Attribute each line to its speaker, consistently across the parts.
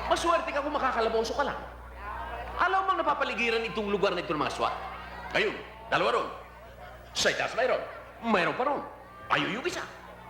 Speaker 1: Maswerte ka kung makakalaboso ka lang. Alam mo bang napapaligiran itong lugar na ito ng mga SWAT? Ayun, dalawa ron. Sa itaas mayroon. Mayroon pa ron. Ayun yung isa.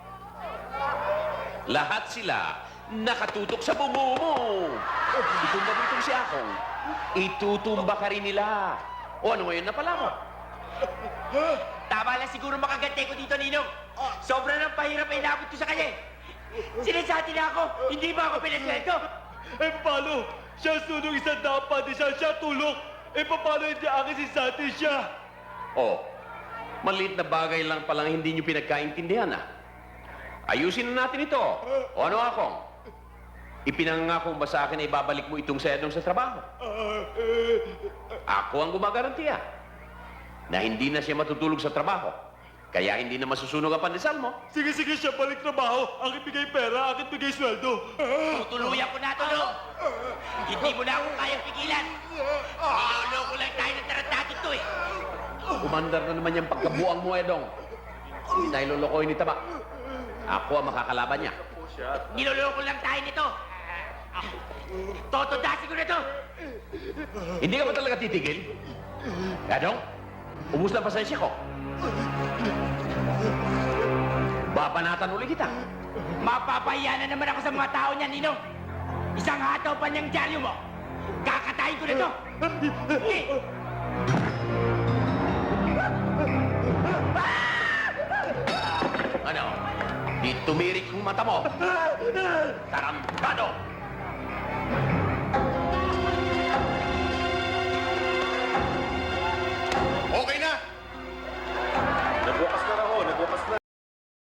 Speaker 1: Lahat sila nakatutok sa bungo mo. Itumba mo itong si Akong. Itutumba ka rin nila. O ano ngayon na pala mo?
Speaker 2: Tama lang siguro makagante ko dito, Ninong. Sobra ng pahirap ay inabot ko sa kanya. Sinasati na ako, hindi ba ako pinasweldo?
Speaker 3: Eh, paano? Siya sunong isang dapat, siya tulok. Eh, paano hindi akin si Sati siya?
Speaker 1: Oh, maliit na bagay lang palang hindi nyo pinagkaintindihan, ah. Ayusin na natin ito. O ano, Akong? Ipinangako ba sa akin na ibabalik mo itong sedong sa trabaho? Ako ang gumagarantiya na hindi na siya matutulog sa trabaho. Kaya hindi na masusunog ang pandesal mo.
Speaker 3: Sige, siya balik trabaho. Akin bigay pera, akin bigay sweldo.
Speaker 2: Tutuluyan ko na ito, no? Hindi mo na ako kayang pigilan. Niloloko lang tayo ng tarantado to, eh.
Speaker 1: Kumandar na naman yung pagkabuang mo, Edong. Hindi tayo lolokohin ni Taba. Ako ang makakalaban niya.
Speaker 2: Niloloko lang tayo nito. Totodasin ko na to.
Speaker 1: Hindi ka ba talaga titigil? Edong, ubus na pasensya ko. Babanatan ulit kita.
Speaker 2: Mapapahiya na naman ako sa mga tao niya, Ninong. Isang hataw pa niyang dyaryo mo. Kakatayin ko na to. Eh!
Speaker 1: Ano? Di tumirik yung mata mo. Tarantado!